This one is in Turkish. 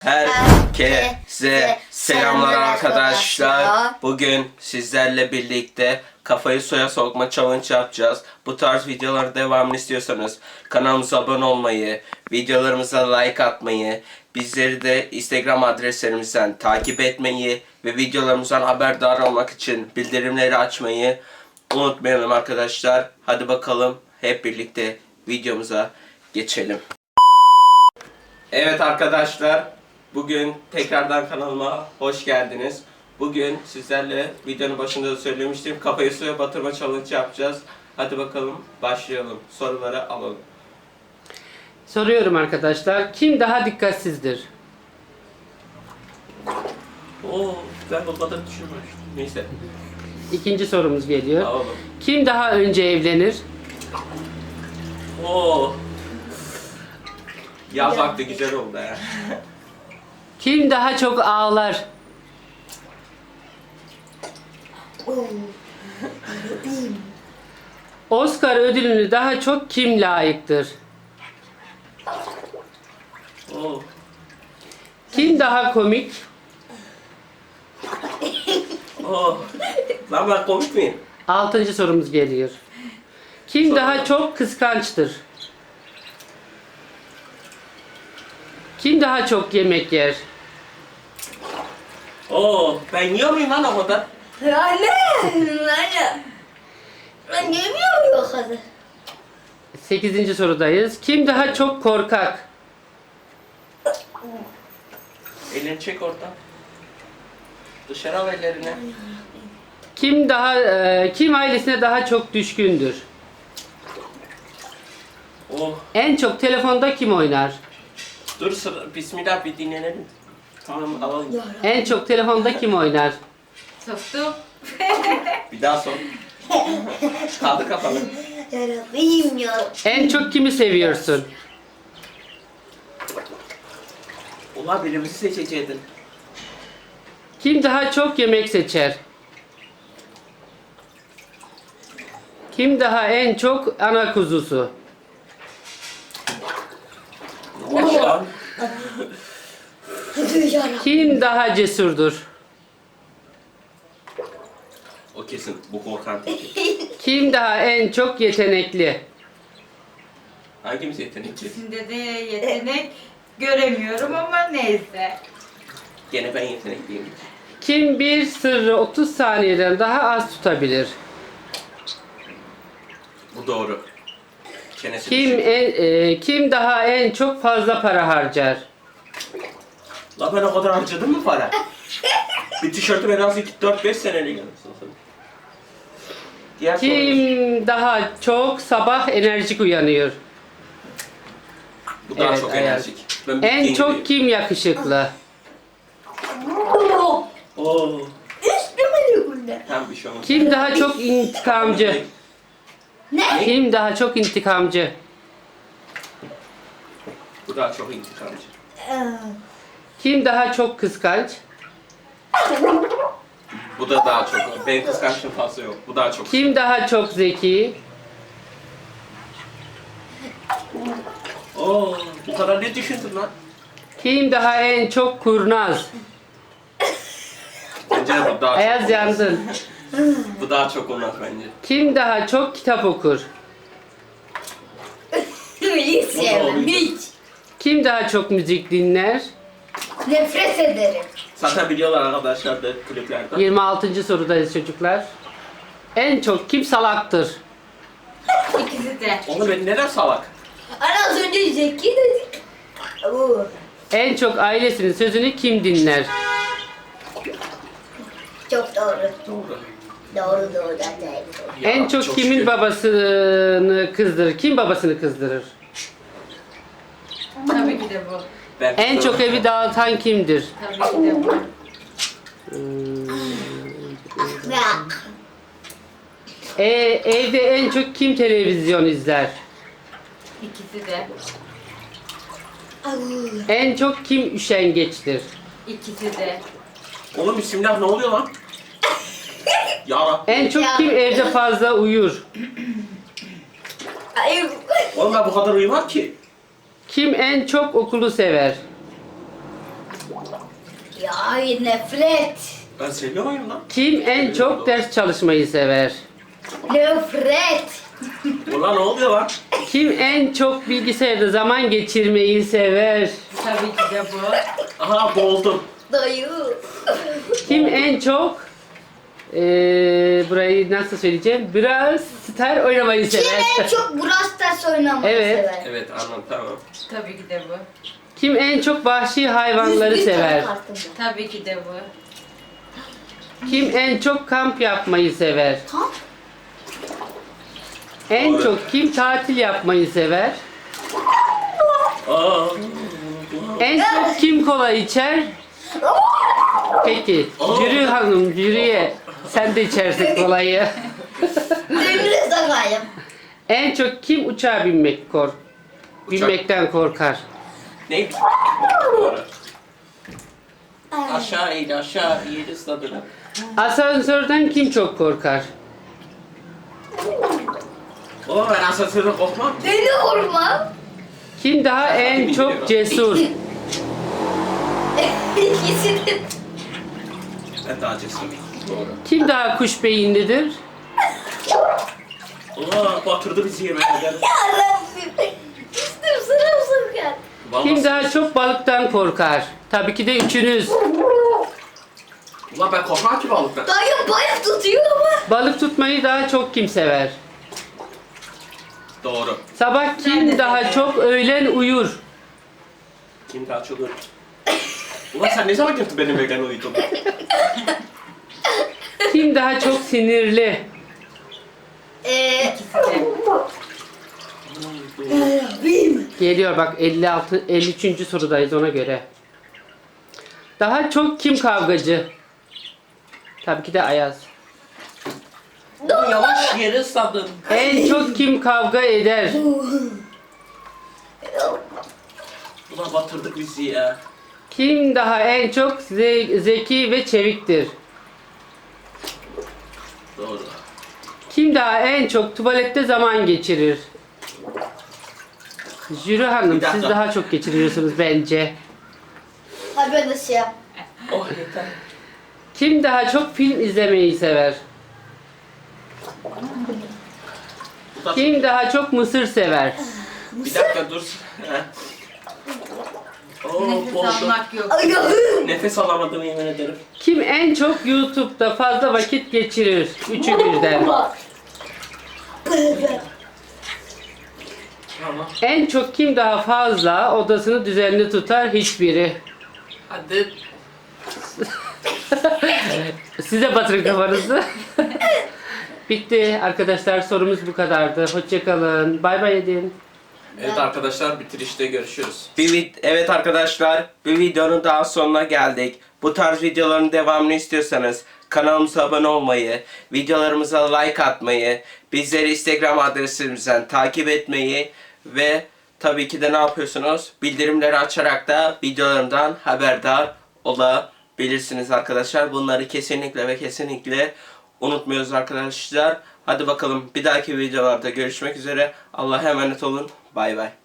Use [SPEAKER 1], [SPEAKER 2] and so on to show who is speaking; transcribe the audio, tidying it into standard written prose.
[SPEAKER 1] Herkese selamlar arkadaşlar. Bugün sizlerle birlikte kafayı suya sokma challenge yapacağız. Bu tarz videoların devamını istiyorsanız kanalımıza abone olmayı, videolarımıza like atmayı, bizleri de Instagram adreslerimizden takip etmeyi ve videolarımızdan haberdar olmak için bildirimleri açmayı unutmayalım arkadaşlar. Hadi bakalım hep birlikte videomuza geçelim. Evet arkadaşlar, bugün tekrardan kanalıma hoş geldiniz. Bugün sizlerle videonun başında da söylemiştim, kafayı suya batırma challenge yapacağız. Hadi bakalım başlayalım. Soruları alalım.
[SPEAKER 2] Soruyorum arkadaşlar. Kim daha dikkatsizdir?
[SPEAKER 1] Oo, ben o kadar düşünmemiştim. Neyse.
[SPEAKER 2] İkinci sorumuz geliyor.
[SPEAKER 1] Alalım.
[SPEAKER 2] Kim daha önce evlenir?
[SPEAKER 1] Oo. Yaz vakti güzel oldu ya.
[SPEAKER 2] Kim daha çok ağlar? Oscar ödülünü daha çok kim layıktır?
[SPEAKER 1] Oo.
[SPEAKER 2] Kim daha komik?
[SPEAKER 1] Oo. Lan ben komik miyim?
[SPEAKER 2] Altıncı sorumuz geliyor. Kim daha çok kıskançtır? Kim daha çok yemek yer?
[SPEAKER 1] Oo, ben yiyor muyum lan o kadar?
[SPEAKER 3] Anne! Ben yemiyorum o kadar.
[SPEAKER 2] Sekizinci sorudayız. Kim daha çok korkak?
[SPEAKER 1] Elini çek oradan. Dışarı al ellerini.
[SPEAKER 2] Kim ailesine daha çok düşkündür?
[SPEAKER 1] Oh.
[SPEAKER 2] En çok telefonda kim oynar?
[SPEAKER 1] Dur sıra. Bismillah bir dinlenelim. Tamam alalım.
[SPEAKER 2] En çok telefonda kim oynar?
[SPEAKER 3] Soktum.
[SPEAKER 1] Bir daha sor. Kaldı kafanı.
[SPEAKER 3] Yarabbim ya.
[SPEAKER 2] En çok kimi seviyorsun?
[SPEAKER 1] Ulan birimizi seçeceydin.
[SPEAKER 2] Kim daha çok yemek seçer? Kim daha en çok ana kuzusu?
[SPEAKER 1] Ne oldu lan?
[SPEAKER 2] Kim daha cesurdur?
[SPEAKER 1] O kesin bu korkan.
[SPEAKER 2] Kim daha en çok yetenekli?
[SPEAKER 1] Hangimiz yetenekli?
[SPEAKER 4] İkisinde de yetenek göremiyorum ama neyse.
[SPEAKER 1] Gene ben yetenekliyim.
[SPEAKER 2] Kim bir sırrı 30 saniyeden daha az tutabilir?
[SPEAKER 1] Bu doğru. Çenesi
[SPEAKER 2] Kim daha en çok fazla para harcar?
[SPEAKER 1] La ben o kadar harcadım mı para? Bir tişörtü en az 4-5 senelik almışsın. Diğer sorumuz.
[SPEAKER 2] Kim daha çok sabah enerjik uyanıyor?
[SPEAKER 1] Bu daha
[SPEAKER 2] Evet,
[SPEAKER 1] çok
[SPEAKER 2] Ayaz.
[SPEAKER 1] enerjik. Ben
[SPEAKER 2] En
[SPEAKER 1] bittiğim
[SPEAKER 2] çok
[SPEAKER 1] gibi.
[SPEAKER 2] kim yakışıklı?
[SPEAKER 1] Oo.
[SPEAKER 3] Üstüme bunda.
[SPEAKER 1] Tam bir şey olmaz.
[SPEAKER 2] Kim daha çok intikamcı?
[SPEAKER 3] Ne?
[SPEAKER 2] Kim daha çok intikamcı?
[SPEAKER 1] Bu daha çok intikamcı.
[SPEAKER 2] Kim daha çok kıskanç?
[SPEAKER 1] Bu da daha çok. Benim kıskançlığım fazla yok. Bu daha çok.
[SPEAKER 2] Kim daha çok zeki?
[SPEAKER 1] Oo, bu kadar ne düşündün lan?
[SPEAKER 2] Kim daha en çok kurnaz?
[SPEAKER 1] Bence de bu daha
[SPEAKER 2] Ayaz
[SPEAKER 1] çok.
[SPEAKER 2] yandın.
[SPEAKER 1] Bu daha çok olmaz bence.
[SPEAKER 2] Kim daha çok kitap okur?
[SPEAKER 3] Hiç sevmem. Hiç.
[SPEAKER 2] Kim daha çok müzik dinler?
[SPEAKER 3] Nefret ederim.
[SPEAKER 1] Zaten biliyorlar arkadaşlar da kliplerden.
[SPEAKER 2] 26. sorudayız çocuklar. En çok kim salaktır?
[SPEAKER 4] İkisi de.
[SPEAKER 1] Oğlum ben neden salak?
[SPEAKER 3] Ana az önce zeki dedik. Oo.
[SPEAKER 2] En çok ailesinin sözünü kim dinler?
[SPEAKER 3] Çok doğru.
[SPEAKER 1] Doğru.
[SPEAKER 3] Doğru doğru. Doğru.
[SPEAKER 1] Ya,
[SPEAKER 2] En çok kimin
[SPEAKER 1] şükür.
[SPEAKER 2] babasını kızdırır? Kim babasını kızdırır?
[SPEAKER 4] Tabii ki de bu.
[SPEAKER 1] Ben
[SPEAKER 2] En çok
[SPEAKER 1] kızım.
[SPEAKER 2] evi dağıtan kimdir?
[SPEAKER 4] Tabii ki de bu.
[SPEAKER 2] Evde en çok kim televizyon izler?
[SPEAKER 4] İkisi de.
[SPEAKER 2] En çok kim üşengeçtir?
[SPEAKER 4] İkisi de.
[SPEAKER 1] Oğlum bismillah ne oluyor lan? Ya Rabbi.
[SPEAKER 2] En çok kim evde fazla uyur?
[SPEAKER 3] Ay,
[SPEAKER 1] Oğlum ben bu kadar uyumam ki.
[SPEAKER 2] Kim en çok okulu sever?
[SPEAKER 3] Ya nefret.
[SPEAKER 1] Ben seviyorum lan.
[SPEAKER 2] Kim en çok ders çalışmayı sever?
[SPEAKER 3] Nefret.
[SPEAKER 1] Ulan ne oluyor lan?
[SPEAKER 2] Kim en çok bilgisayarda zaman geçirmeyi sever?
[SPEAKER 4] Tabii ki de bu.
[SPEAKER 1] Aha boğuldum.
[SPEAKER 3] Dayı.
[SPEAKER 2] Kim en çok burayı nasıl söyleyeceğim? Brawl Stars oynamayı
[SPEAKER 3] Kim
[SPEAKER 2] sever.
[SPEAKER 3] en çok Brawl Stars oynamayı
[SPEAKER 2] Evet.
[SPEAKER 3] sever?
[SPEAKER 1] Evet anladım tamam.
[SPEAKER 4] Tabii ki de bu.
[SPEAKER 2] Kim en çok vahşi hayvanları
[SPEAKER 3] 101 tane
[SPEAKER 2] sever?
[SPEAKER 3] kartım var.
[SPEAKER 4] Tabii ki de bu.
[SPEAKER 2] Kim en çok kamp yapmayı sever?
[SPEAKER 3] Kamp?
[SPEAKER 2] En
[SPEAKER 1] Doğru.
[SPEAKER 2] çok kim tatil yapmayı sever?
[SPEAKER 1] Aa.
[SPEAKER 2] En çok kim kola içer? Peki, Jüri Hanım, jüriye sen de içersin kolayı.
[SPEAKER 3] Demire sakayım.
[SPEAKER 2] En çok kim uçağa binmekten korkar?
[SPEAKER 1] Ne? Doğru. Aşağı in aşağı yeri ısladın.
[SPEAKER 2] Asansörden kim çok korkar?
[SPEAKER 1] Baba ben asansörde korkmam.
[SPEAKER 3] Beni vurma.
[SPEAKER 2] Kim daha en çok cesur?
[SPEAKER 3] İkisini.
[SPEAKER 1] Ben daha cesurum. Doğru.
[SPEAKER 2] Kim daha kuş beyinlidir?
[SPEAKER 1] Allah batırdı bizi yemeğe.
[SPEAKER 3] Yarabbim. Üstüm sırılsıklam.
[SPEAKER 2] Kim daha çok balıktan korkar? Tabii ki de üçünüz.
[SPEAKER 1] Ulan ben korkmam ki balıktan.
[SPEAKER 3] Dayım bayağı tutuyor ama.
[SPEAKER 2] Balık tutmayı daha çok kim sever?
[SPEAKER 1] Doğru.
[SPEAKER 2] Sabah kim daha çok öğlen uyur?
[SPEAKER 1] Kim daha çok ölür? Ulan sen ne zaman gördün benim evden uyudum?
[SPEAKER 2] Kim daha çok sinirli?
[SPEAKER 4] İkisi de.
[SPEAKER 2] Geliyor bak 53. sorudayız ona göre. Daha çok kim kavgacı? Tabii ki de Ayaz.
[SPEAKER 1] Ulan yavaş yeri ısladın.
[SPEAKER 2] En çok kim kavga eder?
[SPEAKER 1] Ulan batırdık bizi ya.
[SPEAKER 2] Kim daha en çok zeki ve çeviktir?
[SPEAKER 1] Doğru.
[SPEAKER 2] Kim daha en çok tuvalette zaman geçirir? Jüri Hanım
[SPEAKER 1] Bir dakika.
[SPEAKER 2] siz daha çok geçiriyorsunuz bence.
[SPEAKER 3] Ha ben de şey yap.
[SPEAKER 1] Oh yeter.
[SPEAKER 2] Kim daha çok film izlemeyi sever? Kim daha çok mısır sever?
[SPEAKER 1] Bir dakika dur. Heh. Oh,
[SPEAKER 4] Nefes
[SPEAKER 1] boğuldum.
[SPEAKER 4] almak yok.
[SPEAKER 3] Ayağım.
[SPEAKER 1] Nefes alamadım yemin ederim.
[SPEAKER 2] Kim en çok YouTube'da fazla vakit geçirir? Üçü birden.
[SPEAKER 1] Tamam.
[SPEAKER 2] En çok kim daha fazla odasını düzenli tutar? Hiçbiri.
[SPEAKER 1] Hadi.
[SPEAKER 2] Size batırın kafanızı. Bitti arkadaşlar, sorumuz bu kadardı. Hoşçakalın. Bay bay edin.
[SPEAKER 1] Evet arkadaşlar bitirişte görüşürüz. Evet arkadaşlar bir videonun daha sonuna geldik. Bu tarz videoların devamını istiyorsanız kanalımıza abone olmayı, videolarımıza like atmayı, bizleri Instagram adresimizden takip etmeyi ve tabii ki de ne yapıyorsunuz? Bildirimleri açarak da videolarımdan haberdar olabilirsiniz arkadaşlar. Bunları kesinlikle ve kesinlikle unutmuyoruz arkadaşlar. Hadi bakalım bir dahaki videolarda görüşmek üzere. Allah'a emanet olun. Bay bay.